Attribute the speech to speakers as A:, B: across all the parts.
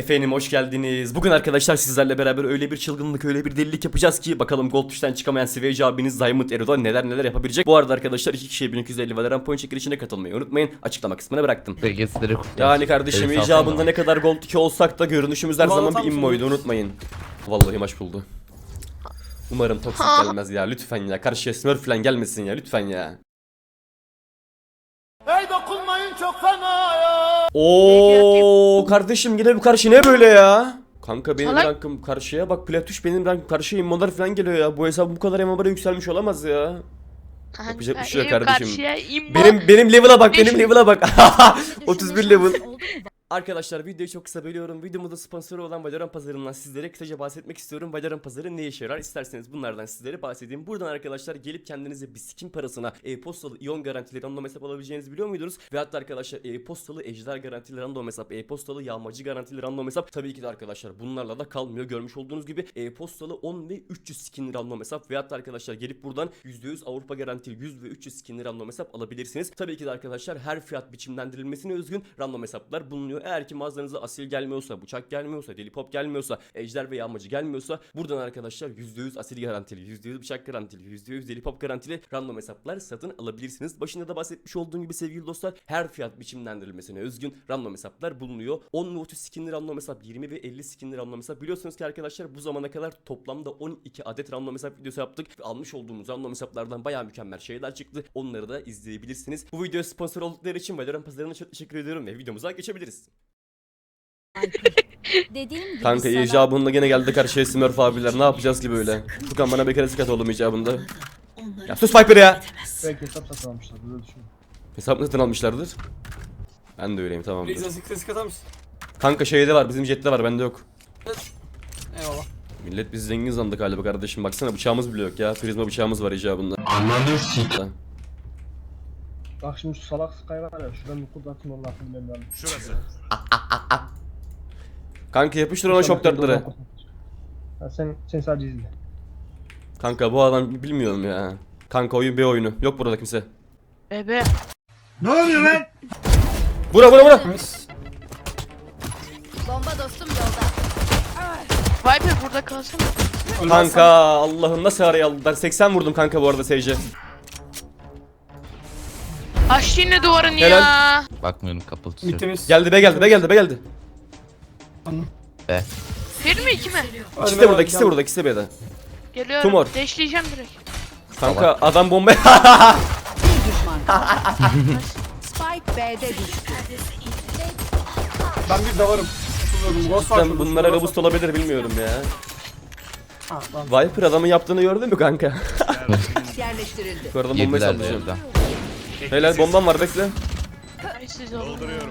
A: Efendim hoş geldiniz. Bugün arkadaşlar sizlerle beraber öyle bir çılgınlık, öyle bir delilik yapacağız ki bakalım Gold Push'tan çıkamayan Sveci abiniz Diamond Ero'da neler yapabilecek. Bu arada arkadaşlar 2 kişiye 1250 Valorant point çekilişine katılmayı unutmayın. Açıklama kısmına bıraktım. Yani kardeşim icabında ne kadar Gold 2 olsak da görünüşümüz her zaman bir immoydu, unutmayın. Vallahi maç buldu. Umarım toksik gelmez ya, lütfen ya. Karşıya smurf falan gelmesin ya, lütfen ya.
B: Hey dokunmayın çok fena ya.
A: Oo kardeşim yine bu karşı ne böyle ya? Kanka benim rankım karşıya bak, Platuş benim rankım karşıya immolar falan geliyor ya. Bu hesap bu kadar MMR'a yükselmiş olamaz ya. Yapacak bir şey yok kardeşim. Benim level'a bak, benim level'a bak. 31 level. Arkadaşlar videoyu çok kısa bölüyorum. Videomuzda sponsoru olan Valorant pazarından sizlere kısaca bahsetmek istiyorum. Valorant pazarı ne işe yarar? İsterseniz bunlardan sizlere bahsedeyim. Buradan arkadaşlar gelip kendinize bir skin parasına e-postalı iyon garantili random hesap alabileceğinizi biliyor muydunuz? Ve hatta arkadaşlar e-postalı ejder garantili random hesap, e-postalı yağmacı garantili random hesap. Tabii ki de arkadaşlar bunlarla da kalmıyor. Görmüş olduğunuz gibi e-postalı 10 ve 300 skin random hesap. Ve hatta arkadaşlar gelip buradan %100 Avrupa garantili 100 ve 300 skin random hesap alabilirsiniz. Tabii ki de arkadaşlar her fiyat biçimlendirilmesine özgün random hesaplar bulunuyor. Eğer ki mağazanıza asil gelmiyorsa, bıçak gelmiyorsa, deli pop gelmiyorsa, ejder ve yağmacı gelmiyorsa buradan arkadaşlar %100 asil garantili, %100 bıçak garantili, %100 deli pop garantili random hesaplar satın alabilirsiniz. Başında da bahsetmiş olduğum gibi sevgili dostlar, her fiyat biçimlendirilmesine özgün random hesaplar bulunuyor. 10 ve 30 skinli random hesap, 20 ve 50 skinli random hesap. Biliyorsunuz ki arkadaşlar bu zamana kadar toplamda 12 adet random hesap videosu yaptık ve almış olduğumuz random hesaplardan bayağı mükemmel şeyler çıktı. Onları da izleyebilirsiniz. Bu videoya sponsor oldukları için Valorant pazarına çok teşekkür ediyorum ve videomuza geçebiliriz. Kanka icabında gene geldi karşıya Smurf abiler, ne yapacağız ki böyle? Furkan bana bir kere sıkat oğlum icabında. Ya sus Viper ya!
C: Belki hesap satın almışlar, böyle düşünüyorum.
A: Hesap satın almışlardır. Ben de öyleyim, tamamdır.
D: Klasik atar mısın?
A: Kanka şeyde var, bizim jette var, bende yok.
D: Eyvallah.
A: Millet biz zengin sandık galiba kardeşim, baksana bıçağımız bile yok ya. Prizma bıçağımız var icabında.
C: Bak şimdi şu salak Sky var ya, şuradan bir kurt atayım, onun aklını benim lazım.
B: Şurası.
A: Kanka yapıştır ona şok dartları.
C: Ha, sen sadece izle.
A: Kanka bu adam bilmiyorum ya. Kanka oyun bir oyunu. Yok burada kimse.
D: Bebe.
B: Ne oluyor lan?
A: Bura.
E: Bomba dostum yolda.
D: Viper burada kalsın.
A: Kanka Allah'ım nasıl araya aldılar. 80 vurdum kanka bu arada Sage'e.
D: Aç yine duvarını
A: Helal.
D: ya.
F: Bakmıyorum, kapalı tutuyor.
D: Mitimiz.
A: Geldi be.
D: Bir mi iki mi?
A: İkisi de burada B'de.
D: Geliyorum.
A: Tumor.
D: Deşleyeceğim direkt.
A: Kanka adam bomba.
E: Spike B'de düştü.
D: Ben bir davarım.
A: Sen bunlara robust olabilir, bilmiyorum ya. Viper adamın yaptığını gördün mü kanka?
E: Yerleştirildi.
A: Bu arada bombayı
F: Yediler
A: sallayacağım.
F: evden.
A: Helal, bombam var, bekle.
D: Siz olun.
B: Dolduruyorum.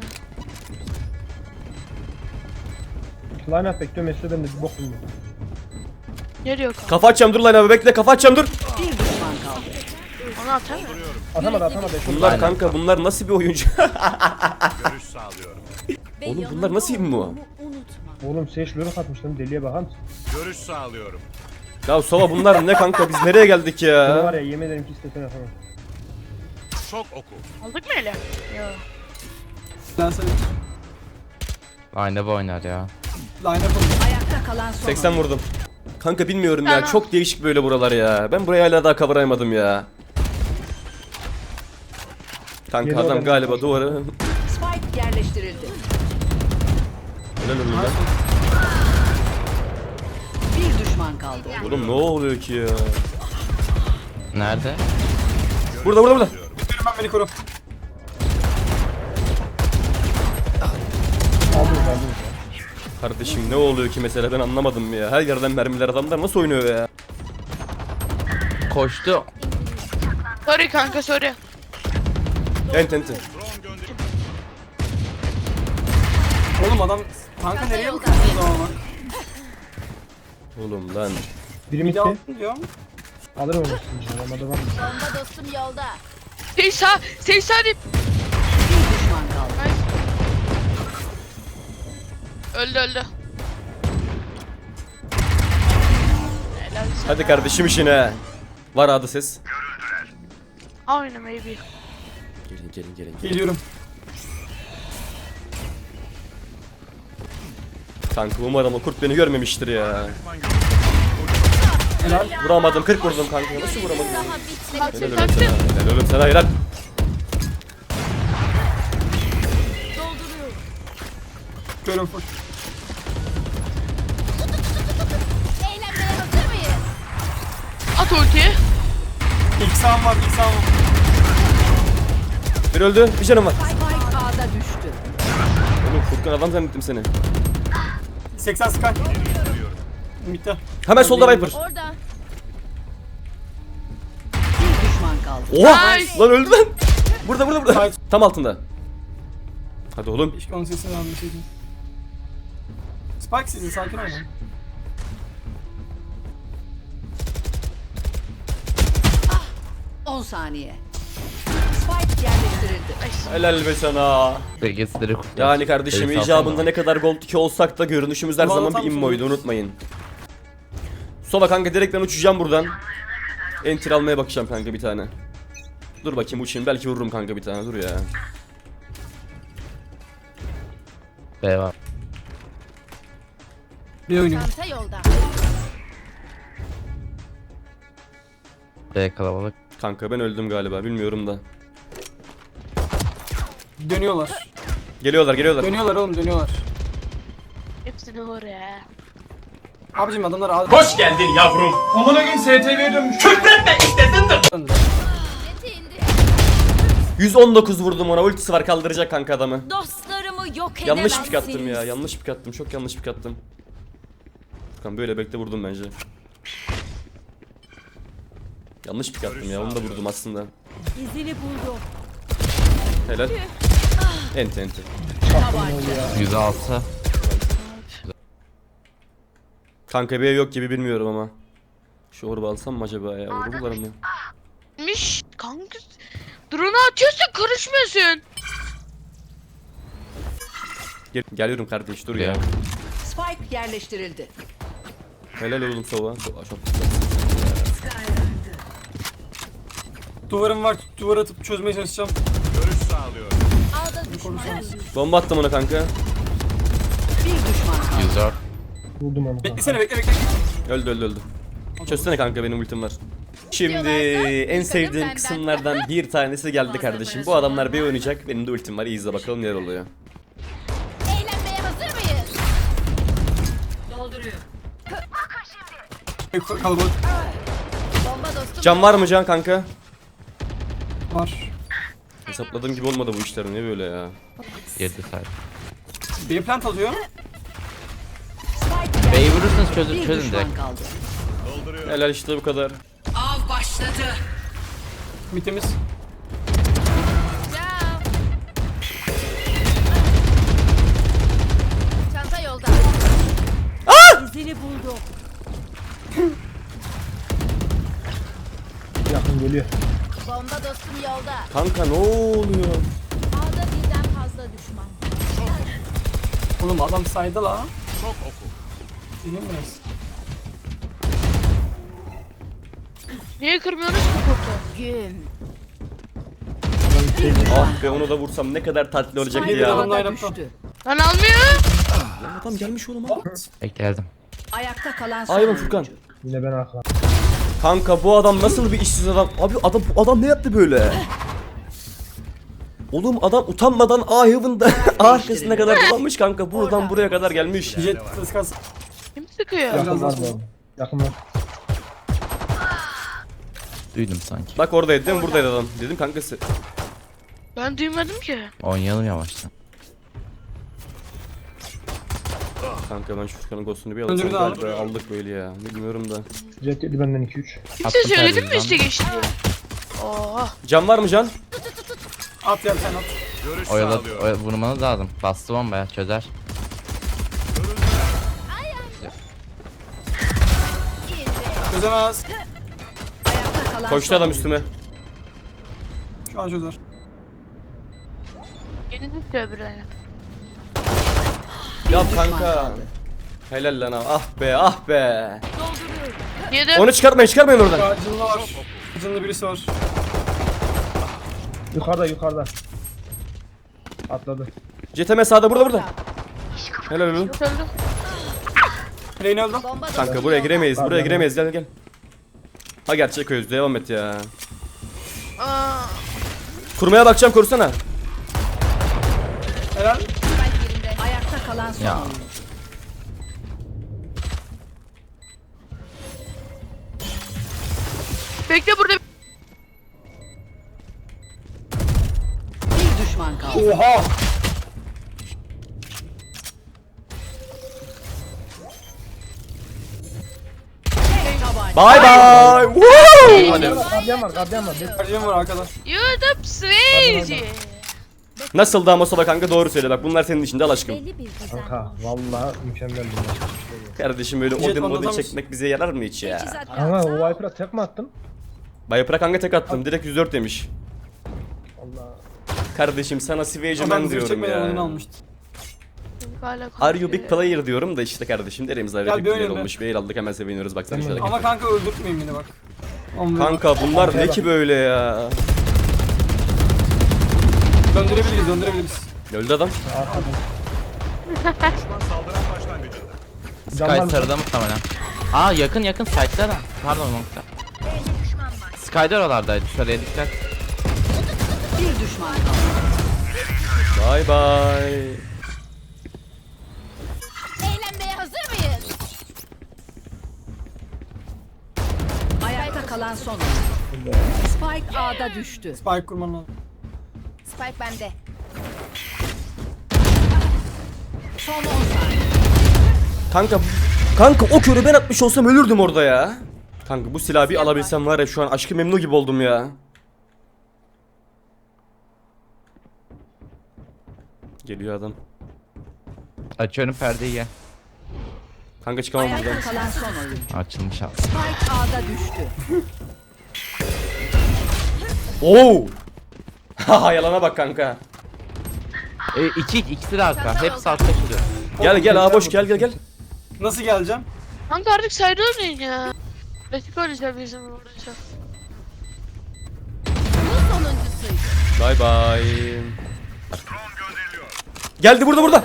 C: Line up bekliyorum, Mesut'a ben de bir bok bilmiyorum.
D: Geliyor kanka.
A: Kafa atacağım, dur lan abi, bekle, kafa atacağım, dur.
E: Bir düşman kaldı.
D: Onu atar mı?
C: Atamadı.
A: Bunlar kanka, bunlar nasıl bir oyuncu?
B: Görüş sağlıyorum.
A: Oğlum bunlar nasıl bir mu?
C: Oğlum Sage lörük atmış lan, deliye bakar mısın?
B: Görüş sağlıyorum.
A: Ya Sova bunlar ne kanka, biz nereye geldik
C: Bunu var
A: ya?
C: ya, yemin ederim ki istesen atamam.
B: Şok oku.
D: Aldık mı ele? Yok.
F: Aynı bu oynar ya.
E: Ayakta kalan son.
A: 80 vurdum. Kanka bilmiyorum ya,
D: Tamam.
A: çok değişik böyle buralar ya. Ben burayı hala daha kavrayamadım ya. Kanka
C: Yedi
A: adam
C: adam
A: galiba
C: başladı.
A: duvarı.
E: Spike yerleştirildi.
A: Helal oğlum lan.
E: Bir düşman kaldı.
A: Oğlum ne oluyor ki ya?
F: Nerede?
A: Burada.
D: Ben beni koru.
C: Aldınız.
A: Kardeşim ne oluyor ki mesela, ben anlamadım ya. Her yerden mermiler, adamlar nasıl oynuyor ya?
F: Koştu.
D: Sorry kanka sorry.
A: Enti.
D: Oğlum adam kanka nereye bakıyorsun o zaman?
A: Oğlum lan.
C: Biri mitti.
D: Diyor.
C: Alırım onu şimdi, olmadı var mı?
E: Bomba dostum yolda.
D: Seysa deyip.
E: Bir düşman kaldı.
D: Öldü. Helal sana.
A: Hadi kardeşim işine. Var adı ses.
D: Aynen maybe.
A: Gelin.
D: Geliyorum.
A: Kanka umarım o kurt beni görmemiştir ya.
D: Helal.
A: Vuramadım 40 vurdum kanka. Nasıl vuramadım?
G: Daha
A: Helal
G: bitmedi.
A: oğlum sana. Helal oğlum sana helal.
D: Görün full.
G: Eğlenmeye hazır mıyız? At ultiyi.
D: İlk sağım var, ilk sağım var.
A: Bir öldü. Bir canım var.
E: Spike A'da düştü.
A: Oğlum Furkan adam zannettim seni.
D: 80 sky. Mitte.
A: Hemen solda Viper.
G: Orada.
E: Bir düşman kaldı.
A: Oha!
G: Nice.
A: Lan öldü lan. Burada.
D: Hayır.
A: Tam altında. Hadi oğlum.
D: Keşke onun sesini almışaydım. Spike sizin, sakin olun.
E: 10 saniye. Spike yerleştirildi.
A: Helal be sana.
F: Bilgisayarı kurtar.
A: Yani kardeşim
F: Beni
A: icabında
F: salsana.
A: ne kadar gold 2 olsak da görünüşümüz her
D: Vallahi
A: zaman
D: tam
A: bir immoydu
D: sonra.
A: unutmayın. Sola kanka direkt ben uçacağım buradan. Enter almaya bakacağım kanka bir tane. Dur bakayım uçayım belki vururum kanka bir tane dur ya.
F: B var.
D: Bir oynuyor.
G: Çanta yolda.
F: B kalabalık.
A: Kanka ben öldüm galiba bilmiyorum da.
D: Dönüyorlar.
A: Geliyorlar.
D: Dönüyorlar oğlum, dönüyorlar.
G: Hepsini oraya.
D: Abicim adamlar ağır.
H: Hoş geldin yavrum. Amına gün STV'ye dönmüş. Küfretme istedin.
G: Yeti indi.
A: 119 vurdum ona ultisi var kaldıracak kanka adamı.
G: Dostlarımı yok edemezsiniz.
A: Yanlış pik attım ya yanlış pik attım çok yanlış pik attım. Furkan böyle bekle vurdum bence. Yanlış pik attım ya onu da vurdum aslında.
G: İzini buldum.
A: Helal. Enti.
F: 106.
A: Kanka bir ev yok gibi bilmiyorum ama. Şu orba alsam mı acaba ya? Vururlar mı?
I: Miş kanka. Drone'u atıyorsun karışmıyorsun.
A: Geliyorum kardeş dur ya.
E: Spike yerleştirildi.
A: Helal oğlum sova. Sova çok.
D: Duvarım var, duvar atıp çözmeye çalışacağım.
B: Görüş sağlıyorum.
G: Ağda düşman.
A: Bomba attım ona kanka.
E: Bir düşman kaldı.
F: 104.
C: Vurdum onu.
D: Beklesene, bekle.
A: Öldü. Çözsene kanka benim ultim var. Şimdi en sevdiğim kısımlardan bir tanesi geldi kardeşim. Bu adamlar bir oynayacak. Benim de ultim var. İyi izle bakalım neler oluyor.
G: Eğlenmeye hazır mıyız?
D: Kalabalık
G: Bomba dostum.
A: Can var mı can kanka?
D: var.
A: Hesapladığım gibi olmadı bu işler. Ne böyle ya?
F: 7 sayı.
D: Bir plant alıyor.
E: Spike
F: B'yi
E: yerleştirildi.
F: vurursanız çözün
E: Bir
F: direkt.
E: düşman kaldı.
A: Helal işte bu kadar.
E: Av başladı.
D: Mitemiz.
G: Ciao. Çanta yolda. İzini buldum.
C: Yakın geliyor.
G: Bomba dostum yolda.
A: Kanka ne oluyor?
G: Ağda birden fazla düşman.
D: Oğlum adam saydı la.
B: Çok oku.
D: Değil mi biraz?
I: Niye kırmıyorsunuz ki kurtu?
G: Güm.
A: Ah be onu da vursam ne kadar tatlı olacaktı
D: Bir
A: ya.
D: adam-
E: A'da
D: line-up'ta.
E: düştü.
I: Lan almıyor.
A: Adam gelmiş oğlum abi.
F: Geldim.
E: Ayakta kalan son
A: Aynen
E: oyuncu.
A: Furkan.
C: Yine ben arkadan.
A: Kanka bu adam nasıl bir işsiz adam? Abi bu adam ne yaptı böyle? Oğlum adam utanmadan A-Heaven'da A arkasına kadar dolanmış kanka. Buradan buraya kadar gelmiş.
D: Jet kıskas.
I: Kim sıkıyor?
C: Yakın var bu. Yakın var.
F: Duydum sanki.
A: Bak oradaydı değil mi? Buradaydı adam. Dedim kankası.
I: Ben duymadım ki.
F: Oynayalım yavaştan.
A: Kanka ben şu Furkan'ın ghost'unu bir alsam
D: Öldürdü abi.
A: galiba aldık böyle ya. Bilmiyorum da.
C: Jet yedi benden 2-3.
I: Kimse
F: Attım
I: söyledim mi
F: perdeden.
I: işte geçti diye. Oha.
A: Can var mı can?
D: At ya sen at.
B: Görüş
F: Oyala,
B: sağlıyorum.
F: vurmanız lazım. Bastı bombaya çözer.
D: Çözemez.
E: Ayakta kalan
A: Koştu
E: son
A: adam
E: oyuncu.
A: üstüme.
D: Şu an çözer.
I: Yeni tutuyor bir tane.
A: Ya
E: düşman
A: kanka.
E: kaldı.
A: Helal lan abi. Ah be ah be.
I: Yedim.
A: Onu çıkartmayın oradan.
D: Acınlı var. Acınlı birisi var.
C: Yukarıda. Atladı.
A: CTM sağda burada. Helal oğlum.
I: Öldüm.
D: Reyna öldü.
G: Bomba dostum
A: Kanka buraya
G: yolda.
A: giremeyiz. Buraya
C: Pardon.
A: giremeyiz. Gel gel. Ha gerçek öz. Devam et ya.
I: Aa,
A: Kurmaya bakacağım, korusana.
D: Helal.
E: Spike yerinde. Ayakta kalan son
F: Ya.
E: oyuncu.
I: bekle burada.
E: Bir düşman kaldı.
C: Oha!
E: Tabanca.
A: Bye bye. Woo!
F: Hadi.
C: Gardiyan var, gardiyan var.
D: Harcım var arkada.
I: YouTube Swayze.
A: Nasıl da Mustafa kanka, doğru söyle bak, bunlar senin içinde al aşkım.
G: Belli bir düzen.
C: Kanka vallahi mükemmel bir maç.
A: Kardeşim böyle
D: Jet
A: Odin
D: anlatamaz.
A: çekmek bize yarar mı hiç ya?
E: Teçhizat
C: Kanka
E: lazım.
C: o Viper'a tek mi attın?
A: Bayapıra kanka tek attım, direkt 104 demiş.
C: Allah.
A: Kardeşim sana Swage'ı
D: Adam
A: ben
D: zırh
A: diyorum
D: çekmeden oyunu
A: ya.
D: almıştı.
I: Hala
A: Are you big player diyorum da işte kardeşim, derimizde öyle
D: Gel
A: bir
D: bir
A: player
D: oynayalım
A: olmuş. Bir el aldık, hemen seviniyoruz, baksana şöyle.
D: Ama kanka öldürtmeyin beni bak. Aman.
A: Kanka bunlar ne ki böyle ya?
D: Döndürebiliriz.
A: Öldü adam.
B: Düşman saldıran başlangıcında.
F: Sky sarıda muhtemelen. Aa yakın site'da da. Pardon nokta. Sky'da oralardaydı. Sarıya dikkat.
E: Bir düşman kaldı.
A: Bye bye.
G: Eğlenmeye hazır mıyız?
E: Ayakta kalan son oyuncu. Spike A'da düştü.
D: Spike kurman lazım.
G: Spike bende.
E: Son 10 saniye.
A: Kanka o körü ben atmış olsam ölürdüm orada ya. Kanka bu silahı bir alabilsem var ya, şu an aşkı memnu gibi oldum ya. Geliyor adam.
F: Açıyorum perdeyi gel.
A: Kanka çıkamam buradan.
E: Ayakta kalan son oyuncu.
F: Açılmış abi.
E: Spike A'da düştü.
A: Oo! Haha yalana bak kanka.
F: İkisi de arka. Hepsi altta şurada.
A: Gel abi boş gel.
D: Nasıl geleceğim?
I: Kanka artık sayıda oynayın ya. Klasik oynayacağım bizim burada.
G: Bu sonuncusuydu.
A: Bye bye. Geldi burada.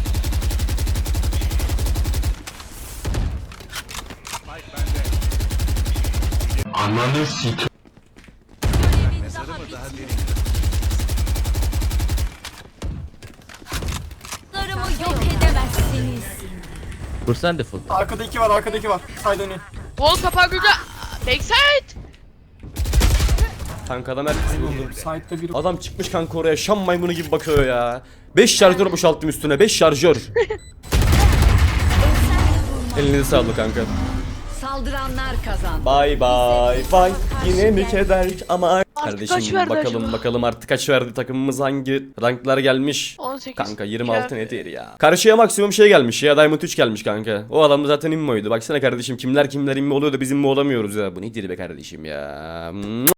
G: Dostlarımı yok edemezsiniz.
F: Vursana default.
D: Arkada iki var. Side dönüyor.
I: Wall kapağı burada. Backside.
A: Kanka adam herkesi vurdu.
D: Side'da biri.
A: Adam çıkmış kanka oraya Şam maymunu gibi bakıyor ya. 5 şarjör boşalttım üstüne, 5 şarjör. Elinize sağlık kanka.
E: Saldıranlar kazandı.
A: Bye bye. Yine mi keder ama
I: Artık kaç
A: kardeşim
I: verdi
A: bakalım
I: acaba?
A: artık kaç verdi, takımımız hangi ranklar gelmiş?
I: 18.
A: Kanka 26 nedir ya? Karşıya maksimum şey gelmiş ya, Diamond 3 gelmiş kanka. O adam da zaten immoydu. Baksana kardeşim, kimler immo oluyor da biz immo olamıyoruz ya. Bu nedir be kardeşim ya?